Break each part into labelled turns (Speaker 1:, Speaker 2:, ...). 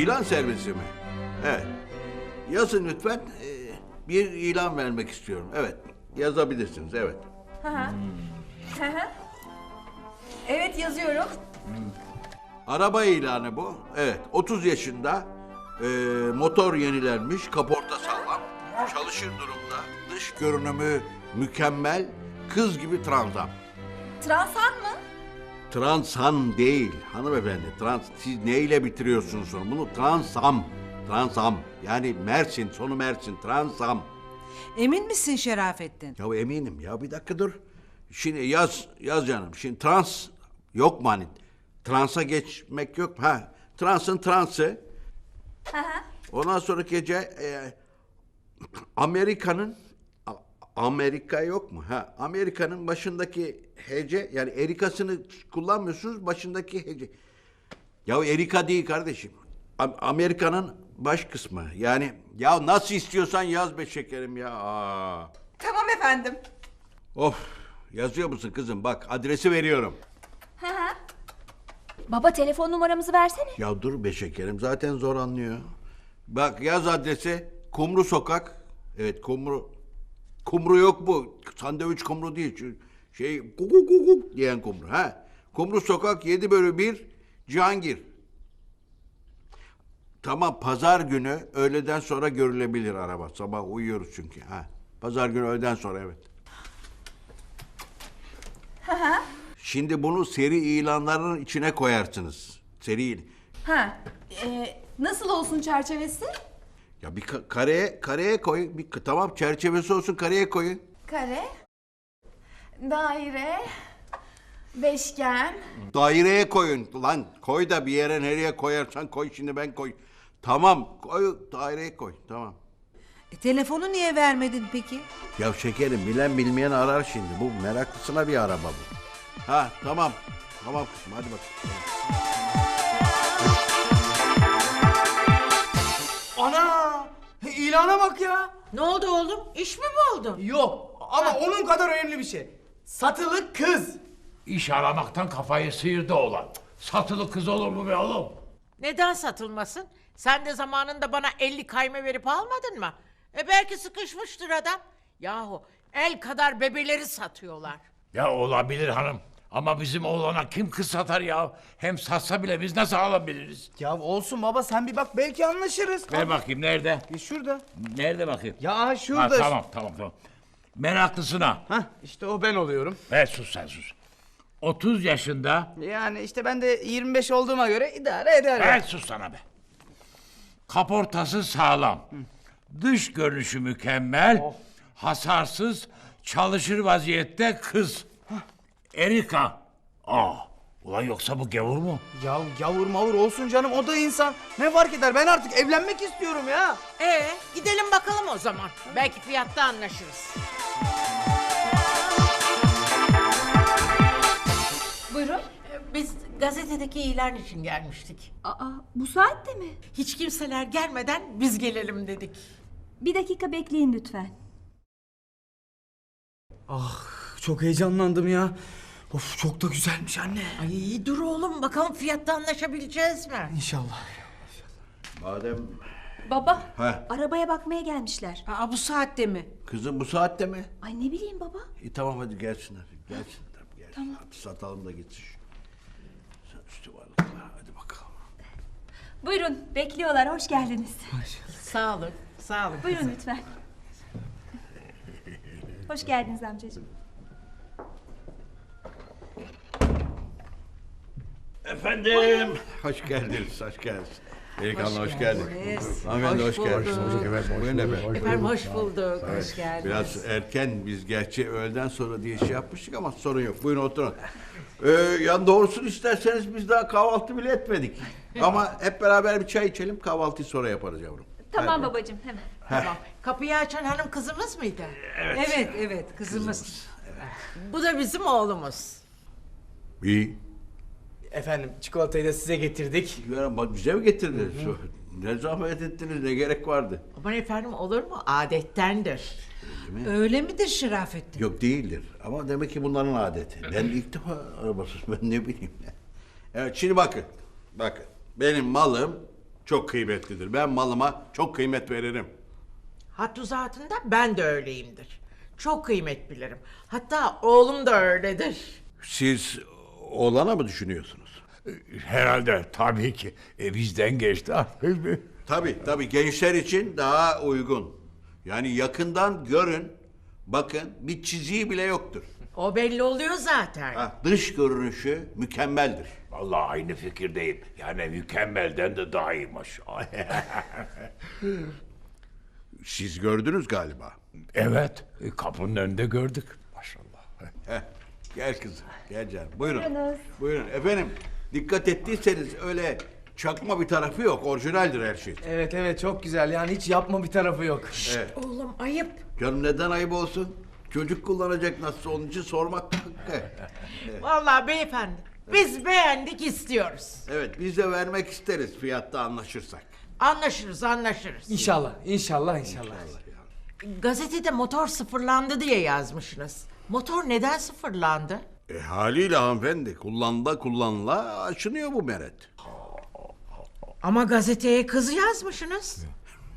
Speaker 1: İlan servisi mi? Evet. Yazın lütfen. Bir ilan vermek istiyorum. Evet. Yazabilirsiniz. Evet.
Speaker 2: Hı hı. Hı hı. Evet, yazıyorum.
Speaker 1: Araba ilanı bu. Evet. 30 yaşında. Motor yenilenmiş. Kaporta sağlam. Çalışır durumda. Dış görünümü mükemmel. Kız gibi transam.
Speaker 2: Transan mı?
Speaker 1: Transan değil hanımefendi. Siz neyle bitiriyorsunuz sonra bunu? Transam. Transam. Yani Mersin, sonu Mersin. Transam.
Speaker 3: Emin misin Şerafettin?
Speaker 1: Ya eminim ya, bir dakika dur. Şimdi yaz canım. Şimdi trans yok mu hani? Transa geçmek yok. Ha, transın transı.
Speaker 2: Hı hı.
Speaker 1: Ondan sonraki gece Amerika yok mu? Ha, Amerika'nın başındaki hece, yani erikasını kullanmıyorsunuz, başındaki hece. Ya erika değil kardeşim. Amerika'nın baş kısmı. Yani ya nasıl istiyorsan yaz be şekerim ya. Aa.
Speaker 2: Tamam efendim.
Speaker 1: Of, yazıyor musun kızım? Bak adresi veriyorum.
Speaker 2: Hı hı. Baba, telefon numaramızı versene.
Speaker 1: Ya dur be şekerim, zaten zor anlıyor. Bak yaz adresi, Kumru Sokak. Evet, Kumru yok bu. Sandviç kumru değil. Şey kukuk diyen kumru. Ha. Kumru Sokak 7/1 Cihangir. Tamam, pazar günü öğleden sonra görülebilir araba. Sabah uyuyoruz çünkü. Ha. Pazar günü öğleden sonra, evet. Şimdi bunu seri ilanların içine koyarsınız. Seri.
Speaker 2: Ha. Nasıl olsun çerçevesi?
Speaker 1: Ya bir kareye koy. Tamam, çerçevesi olsun, kareye koyun.
Speaker 2: Kare. Daire. Beşgen.
Speaker 1: Daireye koyun. Lan koy da bir yere, nereye koyarsan koy, şimdi ben koy. Tamam, koy, daireye koy. Tamam.
Speaker 3: Telefonu niye vermedin peki?
Speaker 1: Ya şekerim, bilen bilmeyen arar şimdi. Bu meraklısına bir araba bu. Ha, tamam. Tamam kızım, hadi bak.
Speaker 4: Ana! İlana bak ya.
Speaker 5: Ne oldu oğlum? İş mi buldun?
Speaker 4: Yok ama onun kadar önemli bir şey. Satılık kız.
Speaker 6: İş aramaktan kafayı sıyırdı oğlan. Satılı kız olur mu be oğlum?
Speaker 5: Neden satılmasın? Sen de zamanında bana 50 kayme verip almadın mı? Belki sıkışmıştır adam. Yahu el kadar bebeleri satıyorlar.
Speaker 6: Ya olabilir hanım. Ama bizim oğlana kim kız satar ya? Hem satsa bile biz nasıl alabiliriz?
Speaker 4: Ya olsun baba, sen bir bak, belki anlaşırız.
Speaker 6: Ver bakayım, nerede?
Speaker 4: Şurada.
Speaker 6: Nerede bakayım?
Speaker 4: Ya şurada.
Speaker 6: Ha, tamam. Meraklısına.
Speaker 4: Hah, işte o ben oluyorum.
Speaker 6: Sus sen sus. 30 yaşında.
Speaker 4: Yani işte ben de 25 olduğuma göre idare eder.
Speaker 6: Sus sana be. Kaportası sağlam. Dış görünüşü mükemmel. Hasarsız, çalışır vaziyette kız. Erika. Ulan yoksa bu gavur mu?
Speaker 4: Ya yavur mavur olsun canım, o da insan. Ne fark eder, ben artık evlenmek istiyorum ya.
Speaker 5: Gidelim bakalım o zaman. Belki fiyatta anlaşırız.
Speaker 2: Buyurun.
Speaker 5: Biz gazetedeki ilan için gelmiştik.
Speaker 7: Aa, bu saatte mi?
Speaker 5: Hiç kimseler gelmeden biz gelelim dedik.
Speaker 7: Bir dakika bekleyin lütfen.
Speaker 4: Çok heyecanlandım ya. Of, çok da güzelmiş anne.
Speaker 5: Ay dur oğlum, bakalım fiyatta anlaşabileceğiz mi?
Speaker 4: İnşallah.
Speaker 1: Madem...
Speaker 7: Baba,
Speaker 1: Ha.
Speaker 7: arabaya bakmaya gelmişler.
Speaker 3: Bu saatte mi?
Speaker 1: Kızım bu saatte mi?
Speaker 7: Ay ne bileyim baba.
Speaker 1: Tamam, hadi gelsinler. Gelsinler. Tamam. Hadi satalım da gitsin. Üstü varlıklar. Hadi bakalım.
Speaker 7: Buyurun, bekliyorlar. Hoş geldiniz.
Speaker 5: Sağ olun, sağ olun.
Speaker 7: Buyurun lütfen. Hoş geldiniz amcacığım.
Speaker 1: Efendim. Hoş geldiniz. Delikanlı hoş geldin. Hanımefendi hoş geldiniz. Buyurun efendim.
Speaker 5: Efendim hoş bulduk. Hoş geldiniz.
Speaker 1: Biraz erken, biz gerçi öğleden sonra diye şey yapmıştık ama sorun yok. Buyurun oturun. Ya doğrusunu isterseniz biz daha kahvaltı bile etmedik. Ama hep beraber bir çay içelim, kahvaltıyı sonra yaparız yavrum.
Speaker 7: Tamam babacığım, hemen.
Speaker 5: Tamam. Kapıyı açan hanım kızımız mıydı?
Speaker 3: Evet kızımız.
Speaker 5: Bu da bizim oğlumuz.
Speaker 1: İyi.
Speaker 4: Efendim, çikolatayı da size getirdik.
Speaker 1: Ya bak, bize mi getirdiniz? Ne zahmet ettiniz, ne gerek vardı?
Speaker 5: Aman efendim, olur mu? Adettendir.
Speaker 3: Öyle midir Şerafettin?
Speaker 1: Yok, değildir. Ama demek ki bunların adeti. Ben ilk defa arabasız, ben ne bileyim. Evet, şimdi bakın. Benim malım çok kıymetlidir. Ben malıma çok kıymet veririm.
Speaker 5: Hattı zatında ben de öyleyimdir. Çok kıymet bilirim. Hatta oğlum da öyledir.
Speaker 1: Siz oğlana mı düşünüyorsunuz?
Speaker 6: Herhalde tabii ki. Bizden geçti.
Speaker 1: Tabii gençler için daha uygun. Yani yakından görün, bakın bir çiziği bile yoktur.
Speaker 5: O belli oluyor zaten.
Speaker 1: Dış görünüşü mükemmeldir.
Speaker 6: Vallahi aynı fikirdeyim. Yani mükemmelden de daha iyi maşallah.
Speaker 1: Siz gördünüz galiba.
Speaker 6: Evet, kapının önünde gördük. Maşallah.
Speaker 1: Gel kızım, gel canım. Buyurun.
Speaker 7: Buyurunuz.
Speaker 1: Buyurun. Efendim, dikkat ettiyseniz öyle çakma bir tarafı yok. Orijinaldir her şey.
Speaker 4: Evet çok güzel yani hiç yapma bir tarafı yok.
Speaker 5: Oğlum ayıp.
Speaker 1: Canım neden ayıp olsun? Çocuk kullanacak nasıl onun için sormak hakkı.
Speaker 5: Vallahi beyefendi biz beğendik istiyoruz.
Speaker 1: Evet, biz de vermek isteriz fiyatta anlaşırsak.
Speaker 5: Anlaşırız.
Speaker 4: İnşallah.
Speaker 5: Gazetede motor sıfırlandı diye yazmışsınız. Motor neden sıfırlandı?
Speaker 1: Haliyle hanımefendi, kullanıla aşınıyor bu meret.
Speaker 5: Ama gazeteye kız yazmışsınız.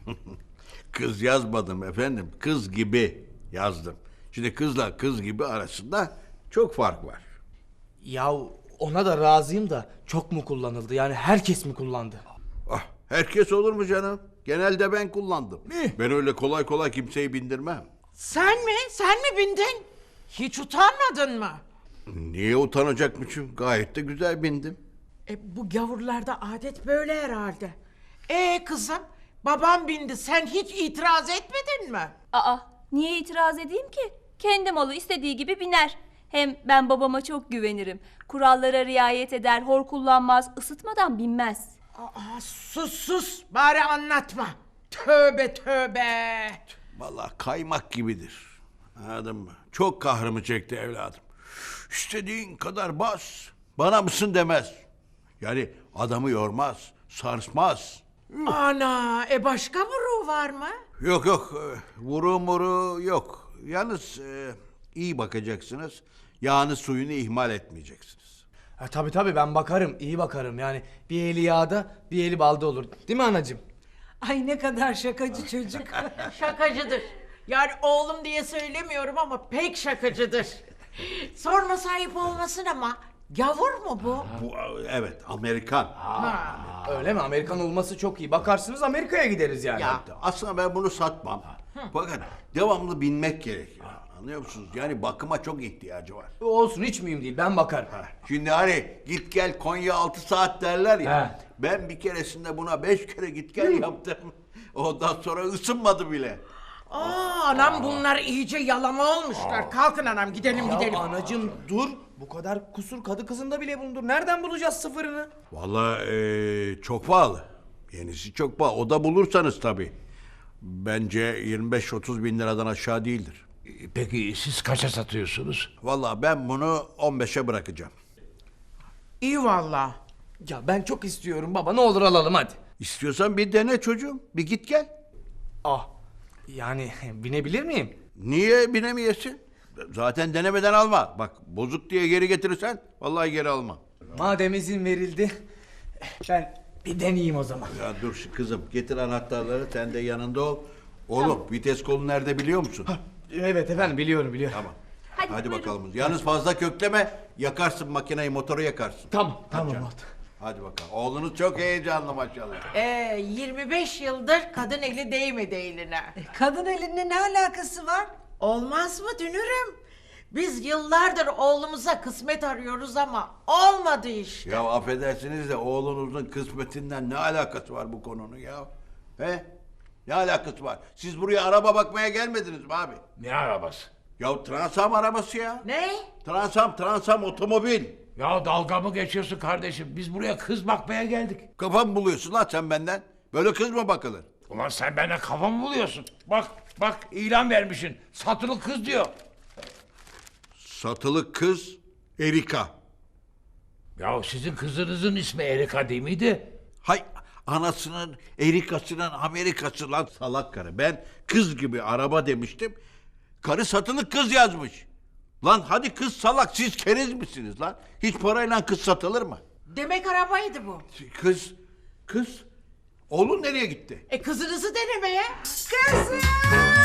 Speaker 1: Kız yazmadım efendim, kız gibi yazdım. Şimdi kızla kız gibi arasında çok fark var.
Speaker 4: Ya ona da razıyım da çok mu kullanıldı yani herkes mi kullandı?
Speaker 1: Herkes olur mu canım? Genelde ben kullandım. Ben öyle kolay kolay kimseyi bindirmem.
Speaker 5: Sen mi? Sen mi bindin? Hiç utanmadın mı?
Speaker 1: Niye utanacakmışım? Gayet de güzel bindim.
Speaker 5: Bu gavurlarda adet böyle herhalde. Kızım, babam bindi. Sen hiç itiraz etmedin mi?
Speaker 7: Aa, niye itiraz edeyim ki? Kendi malı istediği gibi biner. Hem ben babama çok güvenirim. Kurallara riayet eder, hor kullanmaz, ısıtmadan binmez.
Speaker 5: Sus. Bari anlatma. Tövbe.
Speaker 1: Vallahi kaymak gibidir. Anladın mı? Çok kahrımı çekti evladım. İstediğin kadar bas. Bana mısın demez. Yani adamı yormaz, sarsmaz.
Speaker 5: Ana, başka vuruğu var mı?
Speaker 1: Yok. Vuru yok. Yalnız iyi bakacaksınız. Yağını suyunu ihmal etmeyeceksiniz.
Speaker 4: Tabii ben bakarım iyi bakarım yani bir eli yağda bir eli balda olur değil mi anacığım?
Speaker 3: Ay ne kadar şakacı çocuk.
Speaker 5: Şakacıdır. Yani oğlum diye söylemiyorum ama pek şakacıdır. Sorma sahip olmasın ama gavur mu bu?
Speaker 1: Bu evet Amerikan.
Speaker 4: Öyle mi? Amerikan olması çok iyi. Bakarsınız Amerika'ya gideriz yani.
Speaker 5: Ya.
Speaker 1: Aslında ben bunu satmam. Fakat devamlı binmek gerekiyor. Anlıyor musunuz? Yani bakıma çok ihtiyacı var.
Speaker 4: Olsun hiç mühim değil ben bakarım.
Speaker 1: Şimdi hani git gel Konya 6 saat derler ya.
Speaker 4: He.
Speaker 1: Ben bir keresinde buna 5 kere git gel yaptım. Ondan sonra ısınmadı bile.
Speaker 5: Anam bunlar iyice yalama olmuşlar. Kalkın anam gidelim.
Speaker 4: Ya anacığım dur. Bu kadar kusur kadı kızında bile bulundur. Nereden bulacağız sıfırını?
Speaker 1: Vallahi çok pahalı. Yenisi çok pahalı. O da bulursanız tabii. Bence 25-30 bin liradan aşağı değildir.
Speaker 6: Peki siz kaça satıyorsunuz?
Speaker 1: Vallahi ben bunu 15'e bırakacağım.
Speaker 5: İyi valla.
Speaker 4: Ya ben çok istiyorum baba ne olur alalım hadi.
Speaker 1: İstiyorsan bir dene çocuğum. Bir git gel.
Speaker 4: Yani binebilir miyim?
Speaker 1: Niye binemeyesin? Zaten denemeden alma. Bak bozuk diye geri getirirsen vallahi geri alma.
Speaker 4: Madem izin verildi ben bir deneyeyim o zaman.
Speaker 1: Ya dur şu kızım getir anahtarları sen de yanında ol. Oğlum vites kolu nerede biliyor musun?
Speaker 4: Evet efendim biliyorum.
Speaker 1: Tamam.
Speaker 7: Hadi
Speaker 1: Hadi
Speaker 7: buyurun.
Speaker 1: bakalım. Yalnız fazla kökleme yakarsın makineyi motoru yakarsın.
Speaker 4: Tamam
Speaker 1: canım.
Speaker 4: oldu.
Speaker 1: Hadi bakalım. Oğlunuz çok heyecanlı maşallah.
Speaker 5: 25 yıldır kadın eli değmedi eline.
Speaker 3: Kadın elinde ne alakası var?
Speaker 5: Olmaz mı dünürüm? Biz yıllardır oğlumuza kısmet arıyoruz ama olmadı işte.
Speaker 1: Ya affedersiniz de oğlunuzun kısmetinden ne alakası var bu konunun ya? He? Ne alakası var? Siz buraya araba bakmaya gelmediniz mi abi?
Speaker 6: Ne arabası?
Speaker 1: Ya Transam arabası ya.
Speaker 5: Ne?
Speaker 1: Transam otomobil.
Speaker 6: Ya dalga mı geçiyorsun kardeşim? Biz buraya kız bakmaya geldik.
Speaker 1: Kafam buluyorsun lan sen benden. Böyle kız mı bakılır?
Speaker 6: Ulan sen benden kafa mı buluyorsun? Bak ilan vermişsin. Satılık kız diyor.
Speaker 1: Satılık kız Erika.
Speaker 6: Ya sizin kızınızın ismi Erika değil miydi?
Speaker 1: Hay anasının Erika'sının Amerikası lan salak karı. Ben kız gibi araba demiştim. Karı satılık kız yazmış. Lan hadi kız salak siz keriz misiniz lan? Hiç parayla kız satılır mı?
Speaker 5: Demek arabaydı bu.
Speaker 1: Kız Oğlun nereye gitti?
Speaker 5: Kızınızı denemeye.
Speaker 3: Kızım!